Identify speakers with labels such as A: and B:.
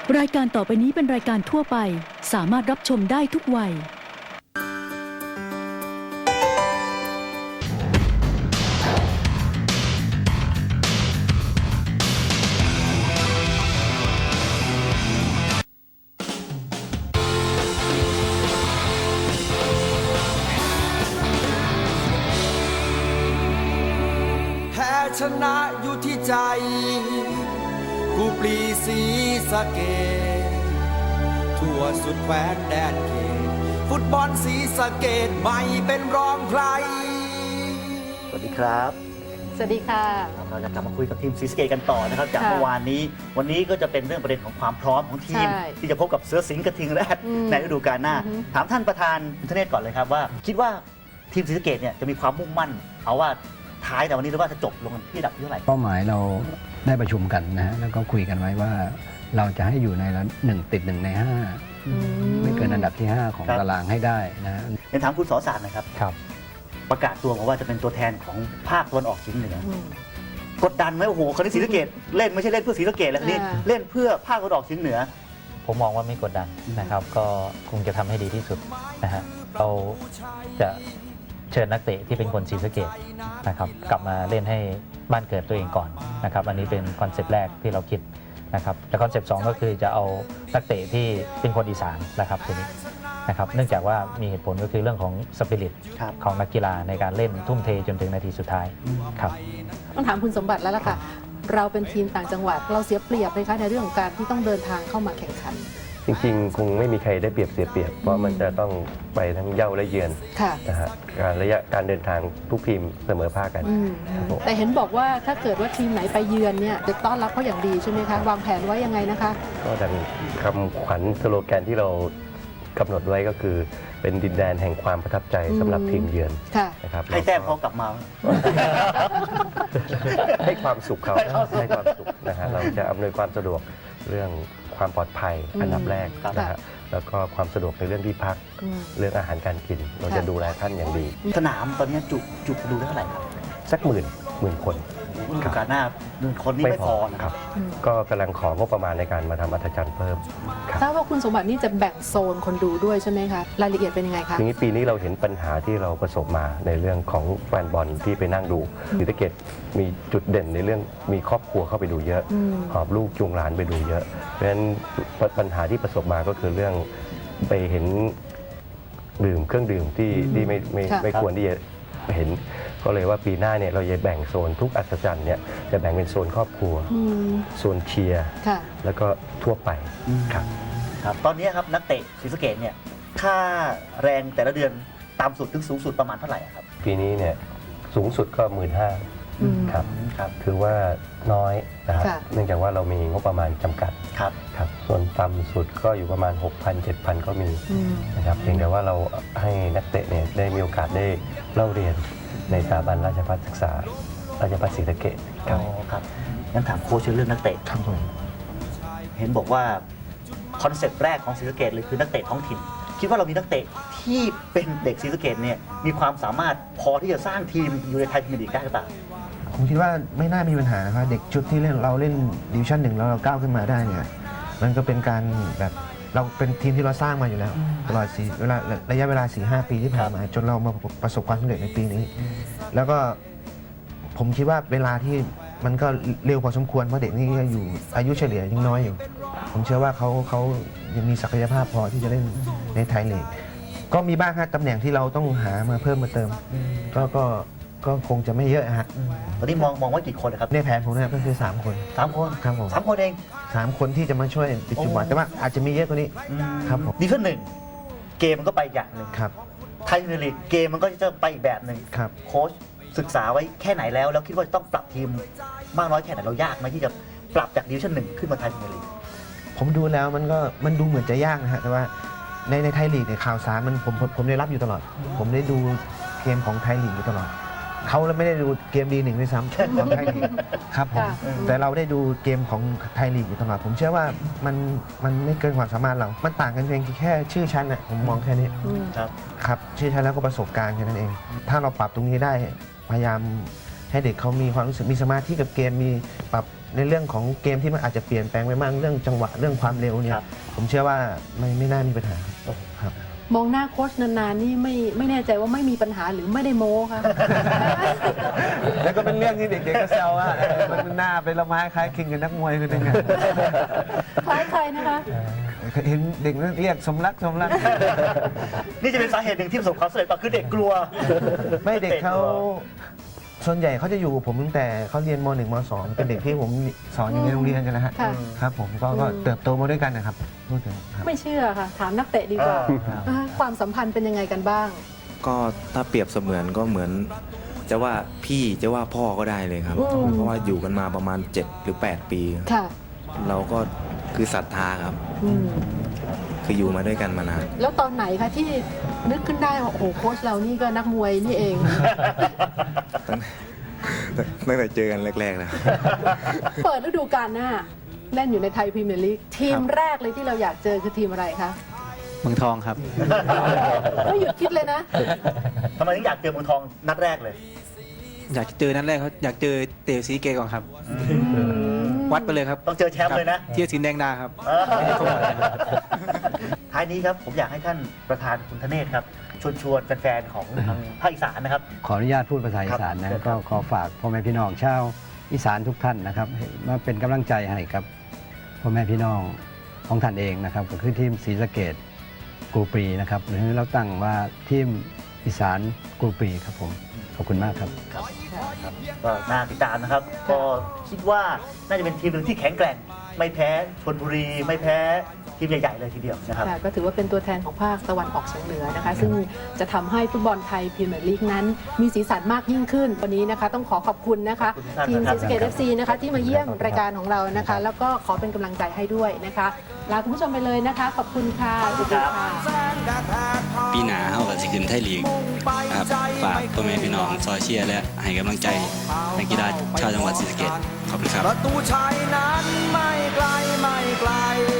A: รายการต่อไปนี้เป็นรายการทั่วไปสามารถรับชมได้ทุกวัย
B: แพ้ชนะอยู่ที่ใจกูปรีศรีสะเกษทั่วสุดแคว้นแดนเขตฟุตบอลศรีสะเกษไม่เป็นรองใคร
C: สวัสดีครับ
D: สวัสดีค่ะ
C: เราจะกลับมาคุยกับทีมศรีสะเกษกันต่อนะครับจากเมื่อวานนี้วันนี้ก็จะเป็นเรื่องประเด็นของความพร้อมของทีม ที่จะพบกับเสือสิงห์กระทิงแรดในฤดูกาลหน้าถามท่านประธานคุณธเนศก่อนเลยครับว่าคิดว่าทีมศรีสะเกษเนี่ยจะมีความมุ่งมั่นเอาว่าท้ายแต่วันนี้หรือว่าจะจบลงที่อันดับที่เท่าไหร่
E: เป้าหมายเราได้ประชุมกันนะฮะแล้วก็คุยกันไว้ว่าเราจะให้อยู่ใน1 ติด 1 ใน 5ไม่เกินอันดับที่ 5 ของตารางให้ได้นะฮะ
C: เดี๋ยวถามคุณสอสารนะครับประกาศตัวมาว่าจะเป็นตัวแทนของภาคตะวันออกเฉียงเหนือกดดันไหมโอ้โหคนที่ศรีสะเกษเล่นไม่ใช่เล่นเพื่อศรีสะเกษแล้วนี่เล่นเพื่อภาคตะวันออกเฉียงเหนือ
F: ผมมองว่าไม่กดดันนะครับก็คงจะทำให้ดีที่สุดนะฮะเราจะเชิญนักเตะที่เป็นคนศรีสะเกษนะครับกลับมาเล่นให้บ้านเกิดตัวเองก่อนนะครับอันนี้เป็นคอนเซปต์แรกที่เราคิดนะครับและคอนเซปต์2ก็คือจะเอานักเตะที่เป็นคนอีสานนะครับทีนี้นะครับเนื่องจากว่ามีเหตุผลก็คือเรื่องของสปิริตของนักกีฬาในการเล่นทุ่มเทจนถึงนาทีสุดท้ายครับ
D: ต้องถามคุณสมบัติแล้วล่ะค่ะเราเป็นทีมต่างจังหวัดเราเสียเปรียบไหมคะในเรื่องของการที่ต้องเดินทางเข้ามาแข่งขัน
G: จริงๆคงไม่มีใครได้เปรียบเสียเปรียบเพราะมันจะต้องไปทั้งเย้าและเยือนนะฮะระยะการเดินทางทุกทีมเสมอภาคกัน
D: แต่เห็นบอกว่าถ้าเกิดว่าทีมไหนไปเยือนเนี่ยจะต้อนรับเขาอย่างดีใช่ไหมคะวางแผนไว้ยังไงนะคะ
G: ก็ดังคำขวัญสโลแกนที่เรากำหนดไว้ก็คือเป็นดินแดนแห่งความประทับใจสำหรับทีมเยือน
C: นะครับให้แต้มเขากลับมา
G: ให้ความสุขเขาให้ความสุขนะฮะเราจะอำนวยความสะดวกเรื่องความปลอดภัยอันดับแรกนะฮะแล้วก็ความสะดวกในเรื่องที่พักเรื่องอาหารการกินเราจะดูแลท่านอย่างดี
C: สนามตอนนี้จุดูได้เท่าไหร่ครับ
G: สักหมื่นคน
C: ฤดูกาลหน้าคนนี้ไม่พอนะครับ
G: ก็กำลังของบประมาณในการมาทำอัธจันทร์เพิ่ม
D: ทราบว่าคุณสมบัตินี่จะแบ่งโซนคนดูด้วยใช่ไหมคะรายละเอียดเป็นยังไงคะ
G: ทีนี้ปีนี้เราเห็นปัญหาที่เราประสบมาในเรื่องของแฟนบอลที่ไปนั่งดูศรีสะเกษมีจุดเด่นในเรื่องมีครอบครัวเข้าไปดูเยอะหอบลูกจูงหลานไปดูเยอะเพราะฉะนั้นปัญหาที่ประสบมาก็คือเรื่องไปเห็นเครื่องดื่มที่ไม่ควรที่จะเห็นก็เลยว่าปีหน้าเนี่ยเราจะแบ่งโซนทุกอัศจรรย์เนี่ยจะแบ่งเป็นโซนครอบครัวโซนเชียร์แล้วก็ทั่วไป
C: ครับตอนนี้ครับนักเตะศรีสะเกษเนี่ยค่าแรงแต่ละเดือนต่ำสุดถึงสูงสุดประมาณเท่าไหร่ครับ
G: ปีนี้เนี่ยสูงสุดก็15,000ครับถือว่าน้อยนะครับเนื่องจากว่าเรามีงบประมาณจำกัดครับส่วนต่ำสุดก็อยู่ประมาณ 6,000-7,000 ก็มีนะครับเพียงแต่ว่าเราให้นักเตะเนี่ยได้มีโอกาสได้เล่าเรียนในสถาบันราชภัฏศึกษาราชภัฏศรีสะเกษ
C: ครับงั้นถามโค้ชเรื่องนักเตะครับเห็นบอกว่าคอนเซ็ปต์แรกของศรีสะเกษเลยคือนักเตะท้องถิ่นคิดว่าเรามีนักเตะที่เป็นเด็กศรีสะเกษเนี่ยมีความสามารถพอที่จะสร้างทีมอยู่ในไทยพรีเมียร์ลีกได้หรือเปล่า
H: ผมคิดว่าไม่น่ามีปัญหานะครับเด็กชุดที่เราเล่นดิวิชั่น 1แล้วเราก้าวขึ้นมาได้เนี่ยมันก็เป็นการแบบเราเป็นทีมที่เราสร้างมาอยู่แล้วตลอดระยะเวลา 4-5 ปีที่ผ่านมาจนเรามาประสบความสำเร็จในปีนี้แล้วก็ผมคิดว่าเวลาที่มันก็เร็วพอสมควรเพราะเด็กนี่อยู่อายุเฉลี่ยยังน้อยอยู่ผมเชื่อว่าเขายังมีศักยภาพพอที่จะเล่นในไทยลีกก็มีบ้างครับตำแหน่งที่เราต้องหามาเพิ่มมาเติมก็คงจะไม่เยอะฮะ
C: ตอนนี้มองว่ากี่คนครับ
H: ในแผนผมเนี่ยก็คือ3 คน
C: ครับผม3 คนเอง
H: 3 คนที่จะมาช่วยติดจุดหวานแต่ว่าอาจจะมีเยอะกว่านี้ครับผม
C: ดิวิชั่น 1เกมมันก็ไปอย่างหนึ่ง
H: ครับ
C: ไทยพรีเมียร์ลีกเกมมันก็จะไปอีกแบบหนึ่ง
H: ครับ
C: โค้ชศึกษาไว้แค่ไหนแล้วคิดว่าจะต้องปรับทีมมากน้อยแค่ไหนเรายากไหมที่จะปรับจากดิวิชั่น 1ขึ้นมาไทยพรีเมียร์ลีก
H: ผมดูแล้วมันดูเหมือนจะยากนะฮะแต่ว่าในไทยลีกเนี่ยข่าวสารผมได้รับอยู่ตลอดผมได้ดูเกมของไทยลีกอยู่ตลอดเขาไม่ได้ดูเกมD1ด้วยซ้ำของไทยลีกครับผมแต่เราได้ดูเกมของไทยลีกอยู่ตลอดผมเชื่อว่ามันไม่เกินความสามารถเรามันต่างกันเพียงแค่ชื่อชั้นน่ะผมมองแค่นี้ครับชื่อชั้นแล้วก็ประสบการณ์แค่นั้นเองถ้าเราปรับตรงนี้ได้พยายามให้เด็กเขามีความรู้สึกมีสมาธิกับเกมมีปรับในเรื่องของเกมที่มันอาจจะเปลี่ยนแปลงไปมากเรื่องจังหวะเรื่องความเร็วเนี่
C: ค
H: ย
C: รับ
H: ผมเชื่อว่าไม่น่ามีปัญหาครับ
D: มองหน้าโค้ชนานๆนี่ไม่แน่ใจว่าไม่มีปัญหาหรือไม่ได้โม้ค่ะ
H: แล้วก็เป็นเรื่องที่เด็กๆก็แซวว่ามันหน้าเป็นละไม้คล้ายคลึงกับนักมวยคนหนึงอะ
D: คล้ายใครนะคะ
H: เห็นเด็กนั้นเรียกสมรัก
C: นี่จะเป็นสาเหตุหนึ่งที่ประสบความสำเร็จป่ะคือเด็กกลัว
H: ไม่เด็กเขาส่วนใหญ่เขาจะอยู่กับผมตั้งแต่เขาเรียนม .1 ม .2 เป็นเด็กที่ผมสอนอยู่ในโรงเรียนกันนะฮะ
D: ค่ะ
H: ครับผมก็เติบโตมาด้วยกันนะครับพูดถึงครับ
D: ไม่เชื่อค่ะ ถามนักเตะดีกว่าความสัมพันธ์เป็นยังไงกันบ้าง
I: ก็ถ้าเปรียบเสมือนก็เหมือนจะว่าพี่จะว่าพ่อก็ได้เลยครับ
D: อืม
I: เพราะว่าอยู่กันมาประมาณ 7 หรือ 8 ปี
D: ค่ะ
I: เราก็คือศรัทธาครับ
D: อืม
I: คืออยู่มาด้วยกันมานาน
D: แล้วตอนไหนคะที่นึกขึ้นได้ว่าโอ้โหโค้ชเรานี่ก็นักมวยนี่เอง
I: ตั้งแต่เจอกันแรกๆนะ
D: เปิดฤดูกาลหน้า เล่นอยู่ในไทยพรีเมียร์ลีกทีมแรกเลยที่เราอยากเจอคือทีมอะไรคะ
F: เมืองทองครับ
D: ไม่หยุดคิดเลยนะ
C: ทำไมถึงอยากเจอเมืองทองนัดแรกเลย
J: อยากเจอนัดแรกเขาอยากเจอเต๋อซีเกก่อนครับ วัดไปเลยครับ
C: ต้องเจอแชมป์เลยนะ
J: เทียสินแดงดาครับ
C: ท้ายนี้ครับผมอยากให้ท่านประธานคุณธเนศครับชวนแฟนๆของทางภาคอีสานนะครับ
E: ขออนุญาตพูดภาษาอีสาน
C: ครั
E: นะ
C: บ
E: ก็ขอฝากพ่อแม่พี่น้องชาวอีสานทุกท่านนะครับมาเป็นกำลังใจให้กับพ่อแม่พี่น้องของท่านเองนะครับก็คือทีมศรีสะเกษกูปรีนะครับหรือเราตั้งว่าทีมอีสานกูปรีครับผมขอบคุณมากครับ
C: ก็น่าติดตามนะครับ ก็คิดว่าน่าจะเป็นทีมหนึ่งที่แข็งแกร่ง ไม่แพ้ชลบุรี ไม่แพ้ทีมใหญ่ๆเลยทีเดียวนะครับ
D: ค่ะก็ถือว่าเป็นตัวแทนของภาคตะวันออกเฉียงเหนือนะคะ ซึ่งจะทำให้ฟุตบอลไทยพรีเมียร์ลีกนั้น มีสีสันมากยิ่งขึ้น วันนี้นะคะต้องขอขอบคุณนะคะ
C: ขอบคุณท่าน
D: ทีม
C: ครั
D: ซี
C: บ
D: สะเกต FC นะคะที่มาเยี่ยมรายการของเรานะคะ แล้วก็ขอเป็นกำลังใจให้ด้วยนะคะลาคุณผู้ชมไปเลยนะคะ ขอบคุณค่ะสวัสดีค่ะ
K: ปีหนาเฮาก็สิขึ้นไทยลีกครับฝากพ่อแม่พี่น้องซอยเชียร์และให้กำลังใจนักกีฬาชาวจังหวัดศรีสะเกษขอบคุณครับ
B: ประตูชัยนั้นไม่ไกล